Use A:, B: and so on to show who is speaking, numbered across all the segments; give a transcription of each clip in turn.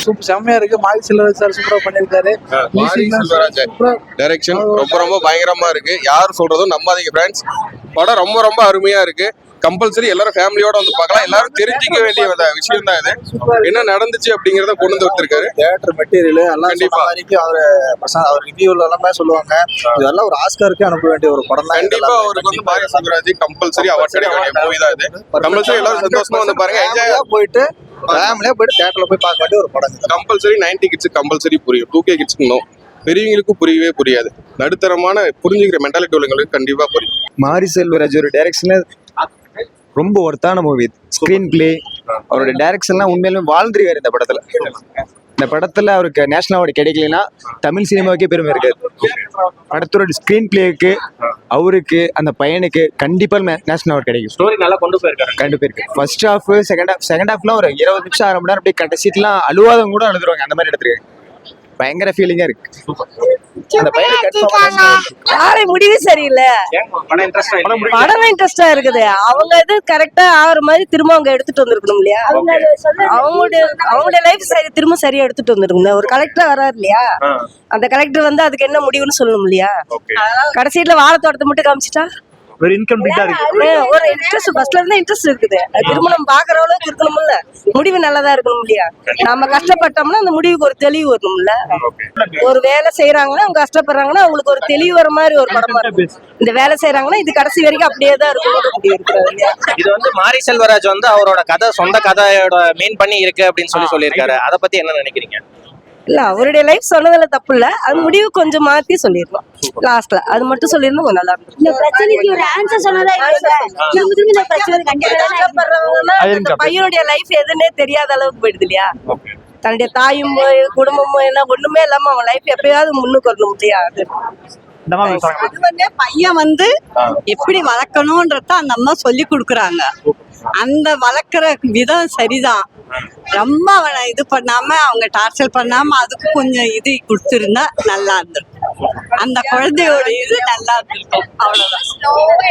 A: செம்மையா இருக்கு. மாரி செல்வராஜ் சார் சூப்பரா பண்ணிருக்காரு.
B: மாரி செல்வராஜ் டைரக்ஷன் ரொம்ப ரொம்ப பயங்கரமா இருக்கு. யார் சொல்றதும் நம்பாதீங்க ஃப்ரெண்ட்ஸ். படம் ரொம்ப ரொம்ப அருமையா இருக்கு. கம்பல்சரி எல்லாரும் ஃபேமிலியோட வந்து பார்க்கலாம். எல்லாரும் தெரிஞ்சுக்க வேண்டிய விஷயம் தான் இது. என்ன நடந்துச்சு அப்படிங்கறத கொண்டு வந்து கொடுத்திருக்காரு.
A: தியேட்டர் மெட்டீரியல் எல்லாம் கண்டிப்பா அவர் ரிவ்யூல எல்லாமே சொல்லுவாங்க. இதெல்லாம் ஒரு ஆஸ்காருக்கு அனுப்ப வேண்டிய ஒரு படம் தான்.
B: கண்டிப்பா அவருக்கு வந்து மாரி செல்வராஜ் கம்பல்சரி அவார்ட் கிடைக்க வேண்டிய மூவி தான் இது. கம்பல்சரி எல்லாரும் சந்தோஷமா வந்து பாருங்க. என்ஜாயா போயிட்டு ஃபேமிலியா போயிட்டு தியேட்டர்ல போய் பார்க்க வேண்டிய ஒரு படம். கம்பல்சரி 90 கிட்ஸ் கம்பல்சரி புரியும். 2K கிட்ஸ்க்கு no. பெரியவங்களுக்கும் புரியவே புரியாது. நடுத்தரமான புரிஞ்சுக்கிற மென்டாலிட்டி உள்ளவங்களுக்கு கண்டிப்பா புரியும்.
C: மாரி செல்வராஜ் ஒரு டைரக்ஷன்ல ரொம்ப ஒர்த்தான மூவி. ஸ்கிரீன் பிளே, அவரோட டைரக்ஷன்லாம் உண்மையிலுமே வாழ்ந்துருக்காரு இந்த படத்துல. இந்த படத்துல அவருக்கு நேஷனல் அவார்டு கிடைக்கலன்னா தமிழ் சினிமாவுக்கே பெருமை இருக்காது. படத்தோட ஸ்கிரீன் பிளேக்கு அவருக்கு அந்த பையனுக்கு கண்டிப்பா நேஷனல் அவார்டு கிடைக்கும்.
D: ஸ்டோரி நல்லா கொண்டு போயிருக்கு.
C: ஃபர்ஸ்ட் ஹாஃப் செகண்ட் ஹாஃப்லாம் ஒரு 20 நிமிஷம் 1/2 மணி நேரம் அப்படியே கடைசிட்டுலாம் அழுவாதவங்க கூட அழுதுருவாங்க. அந்த மாதிரி எடுத்துருக்கு. பயங்கர ஃபீலிங்கா இருக்கு. அந்த பையன்
E: முடிவு சரியில்லை. படம் இன்ட்ரெஸ்டா இருக்குது. அவங்க இது கரெக்டா ஆகிற மாதிரி திரும்ப அவங்க எடுத்துட்டு வந்திருக்கணும் இல்லையா? அவங்களுடைய லைஃப் சரி திரும்ப சரியா எடுத்துட்டு வந்திருக்கணும். ஒரு கலெக்டர் வராரு இல்லையா? அந்த கலெக்டர் வந்து அதுக்கு என்ன முடிவுன்னு சொல்லணும் இல்லையா? கடைசியில வாழை தோட்டத்தை மட்டும் காமிச்சிட்டா
D: ஒரு இன்கம்ப்ளீட்டா இருக்கு.
E: ஒரு இன்ட்ரெஸ்ட் ஃபர்ஸ்ட்ல இருந்து இன்ட்ரெஸ்ட் இருக்குது. திரும்ப நம்ம பாக்குற அளவுக்கு இருக்கணும்ல. முடிவு நல்லதா இருக்கணும் இல்லையா? நம்ம கஷ்டப்பட்டோம்னா அந்த முடிவுக்கு ஒரு தெளிவு வரணும்ல. ஒரு வேலை செய்யறாங்கன்னா அவங்க கஷ்டப்படுறாங்கன்னா அவங்களுக்கு ஒரு தெளிவு வர மாதிரி ஒரு படமா இருக்கும். இந்த வேலை செய்யறாங்கன்னா இது கடைசி வரைக்கும் அப்படியே தான் இருக்கும்.
D: இது வந்து மாரி செல்வராஜ் வந்து அவரோட கதை சொந்த கதையோட மீன் பண்ணி இருக்கு அப்படின்னு சொல்லியிருக்காரு. அதை பத்தி என்ன நினைக்கிறீங்க?
E: இல்ல அவருடைய லைஃப் சொன்னதுல தப்பு இல்ல. அது முடிவு கொஞ்சம் மாத்தி சொல்லிருக்கோம். லாஸ்ட்ல அது மட்டும் சொல்லிருந்தா கொஞ்சம் நல்லா இருக்கும்.
F: இந்த பிரச்சனைக்கு ஒரு ஆன்சர் சொன்னதா இல்ல. இந்த பிரச்சனை
E: கண்டிப்பா பையனுடைய லைஃப் எதுன்னே தெரியாத அளவுக்கு போயிடுது இல்லையா? தன்னுடைய தாயும் குடும்பமும் என்ன ஒண்ணுமே இல்லாம அவன் லைஃப் எப்பயாவது முன்னுக்கு வரணும் முடியாது.
F: அது வந்து பையன் வந்து எப்படி வளர்க்கணும்ன்றத அந்த அம்மா சொல்லி கொடுக்குறாங்க. அந்த வளர்க்குற விதம் சரிதான். ரொம்ப அவனை இது பண்ணாம அவங்க டார்ச்சர் பண்ணாம அதுக்கு கொஞ்சம் இது கொடுத்துருந்தா நல்லா இருந்திருக்கும். அந்த குழந்தையோட இது நல்லா இருந்திருக்கும். அவ்வளவுதான்.
G: ஸ்லோவா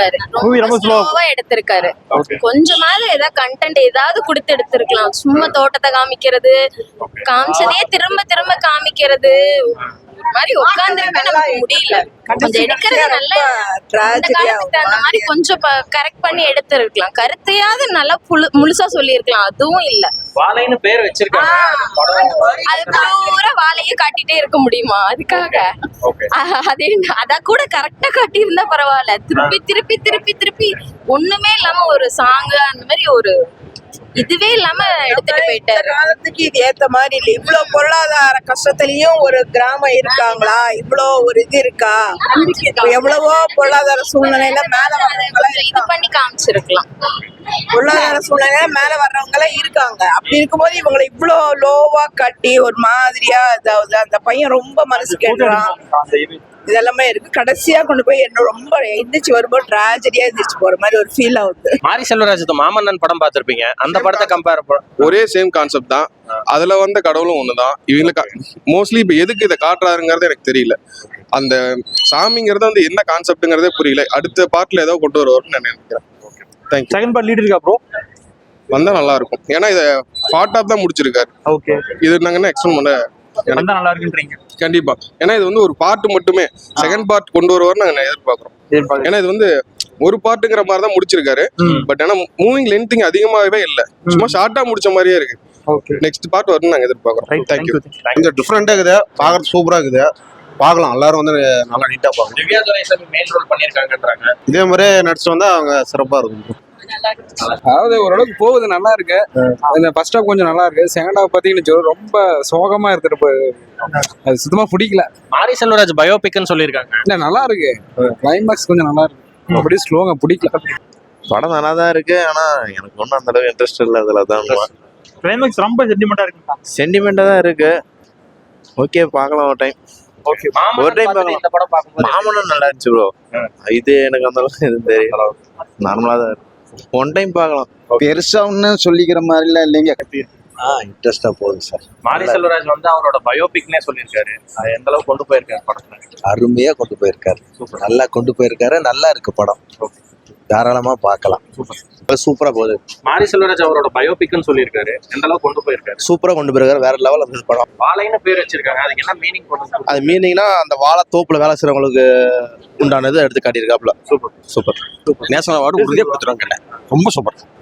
G: எடுத்திருக்காரு. கொஞ்சமாவது ஏதாவது கண்டென்ட் ஏதாவது கொடுத்து எடுத்திருக்கலாம். சும்மா தோட்டத்தை காமிக்கிறது, காமிச்சதே திரும்ப திரும்ப காமிக்கிறது, மாதிரி உட்கார்ந்துருக்க நமக்கு முடியல. கொஞ்சம் எடுக்கிறது நல்ல அந்த மாதிரி கொஞ்சம் கரெக்ட் பண்ணி எடுத்திருக்கலாம். கருத்தையாவது நல்லா முழுசா சொல்லியிருக்கலாம். அதுவும் இல்ல.
D: வாழைன்னு பேர் வச்சிருக்காங்க.
G: அது பூரா வாழையே காட்டிட்டே இருக்க முடியுமா? அதுக்காக அதே அத கூட கரெக்டா காட்டி இருந்தா பரவாயில்ல. திருப்பி திருப்பி திருப்பி திருப்பி ஒண்ணுமே இல்லாம ஒரு சாங் அந்த மாதிரி ஒரு இதுவே இல்லாம எடுத்துட்டு போயிட்டாரு.
H: காலத்துக்கு இது ஏத்த மாதிரி இல்ல. இவ்வளவு பொருளாதார கஷ்டத்திலயும் ஒரு கிராமம் இருக்காங்களா? இவ்வளவு ஒரு இது இருக்கா? எவ்வளவோ பொருளாதார சூழ்நிலையில மேல வர்றவங்க
G: இது பண்ணி காமிச்சிருக்கலாம்.
H: பொருளாதார சூழ்நிலையில மேல வர்றவங்க எல்லாம் இருக்காங்க. அப்படி இருக்கும்போது இவங்களை இவ்வளவு லோவா கட்டி ஒரு மாதிரியா அதாவது அந்த பையன் ரொம்ப மனசு கேட்கிறான். இதெல்லாமே இருக்கு. கடைசியா கொண்டு போய் என்ன ரொம்ப எந்திரிச்சு வரும்போது டிராஜடியா எந்திரிச்சு போற மாதிரி ஒரு ஃபீல் ஆகுது.
D: மாரி செல்வராஜ் மாமன்னன் படம் பார்த்திருப்பீங்க. அந்த படத்தை கம்பேர்
B: ஒரே சேம் கான்செப்ட் தான். அதுல வந்த கடவுளும் ஒண்ணுதான். இவங்களுக்கு மோஸ்ட்லி இப்ப எதுக்கு இதை காட்டுறாருங்கிறது எனக்கு தெரியல. அந்த சாமிங்கிறது வந்து என்ன கான்செப்ட்ங்கிறதே புரியல. அடுத்த பார்ட்ல ஏதோ கொண்டு வருவாருன்னு நான் நினைக்கிறேன். தேங்க்யூ.
D: செகண்ட் பார்ட் லீட் இருக்கா ப்ரோ?
B: வந்தா நல்லா இருக்கும். ஏன்னா இதை பார்ட் ஆஃப் தான் முடிச்சிருக்காரு.
D: ஓகே.
B: இது நாங்க எக்ஸ்பிளைன் பண்ண
D: நல்லா இருக்குன்றீங்க?
B: கண்டிப்பா. ஏன்னா இது வந்து ஒரு பார்ட் மட்டுமே. செகண்ட் பார்ட் கொண்டு வருவார் நாங்க எதிர்பார்க்கிறோம். ஏன்னா இது வந்து ஒரு பார்ட்டுங்கிற மாதிரி தான் முடிச்சிருக்காரு. பட் ஆனா மூவிங் லென்த்திங் அதிகமாகவே இல்ல. சும்மா ஷார்ட்டா முடிச்ச மாதிரியே இருக்கு. நெக்ஸ்ட் பார்ட் வரும்னு நாங்க எதிர்பார்க்கிறோம். தேங்க்யூ.
A: கொஞ்சம் டிஃப்ரெண்டா இருக்குது. பாக்குறது சூப்பரா இருக்குது. பார்க்கலாம். எல்லாரும் வந்து நல்லா நீட்டா பார்க்கலாம்.
D: திவ்யா துரைசாமி மெயின் ரோல் பண்ணிருக்காங்கன்றாங்க.
A: இதே மாதிரி நடிச்சு வந்தா அவங்க சிறப்பா இருக்கும்.
I: அதாவது ஓரளவுக்கு போகுது. நல்லா இருக்கு. இந்த ஃபர்ஸ்ட் ஹாஃப் கொஞ்சம் நல்லா இருக்கு. செகண்ட் ஹாஃப் பாத்தீங்கன்னா ரொம்ப சோகமா எடுத்துட்டு அது சுத்தமா பிடிக்கல.
D: மாரி செல்வராஜ் பயோபிக்னு சொல்லியிருக்காங்க.
I: இல்ல நல்லா இருக்கு. கிளைமேக்ஸ் கொஞ்சம் நல்லா இருக்கு. அப்படியே ஸ்லோங்க பிடிக்கல.
C: படம் நல்லா தான் இருக்கு. ஆனா எனக்கு ஒன்றும் அந்த அளவுக்கு இன்ட்ரெஸ்ட் இல்லை. அதுல தான்
D: கிளைமேக்ஸ் ரொம்ப சென்டிமெண்டா இருக்கு.
C: சென்டிமெண்டா தான் இருக்கு. ஓகே, பார்க்கலாம் ஒரு டைம்.
D: ஓகே.
C: ஒரு டைம் பார்க்கலாம்.
D: இந்த படம் பார்க்கும்போது
C: மாமனும் நல்லா இருந்துச்சு ப்ரோ. இது எனக்கு அந்த அளவுக்கு எதுவும் தெரியல. நார்மலா தான் இருக்கு. ஒன் டைம் பார்க்கலாம்.
A: பெருசா ஒன்னு சொல்லிக்கிற மாதிரி எல்லாம் இல்லைங்க.
C: இன்ட்ரெஸ்டா போகுது சார்.
D: மாரி செல்வராஜ் வந்து அவரோட பயோபிக்னே சொல்லியிருக்காரு. அது எந்த அளவுக்கு கொண்டு போயிருக்காரு படத்துல?
C: அருமையா கொண்டு போயிருக்காரு. நல்லா கொண்டு போயிருக்காரு. நல்லா இருக்கு படம்.
A: தாராளமா பார்க்கலாம். சூப்பரா போகுது.
D: மாரி செல்வராஜ் அவரோட பயோபிக்னு சொல்லியிருக்காரு. எந்த அளவுக்கு கொண்டு போயிருக்காரு?
A: சூப்பரா கொண்டு போயிருக்காரு. வேற லெவல் இருந்தது படம்.
D: வாழைன்னு பேர் வச்சிருக்காங்க. அதுக்கு என்ன மீனிங் கொண்டு?
A: அது மீனிங்னா அந்த வாழை தோப்புல வேலை செய்யறவங்களுக்கு உண்டானது எடுத்து காட்டியிருக்காப்ல. சூப்பர். நேஷனல் அவார்டு உறுதியாக கொடுத்துருவாங்க. ரொம்ப சூப்பர்.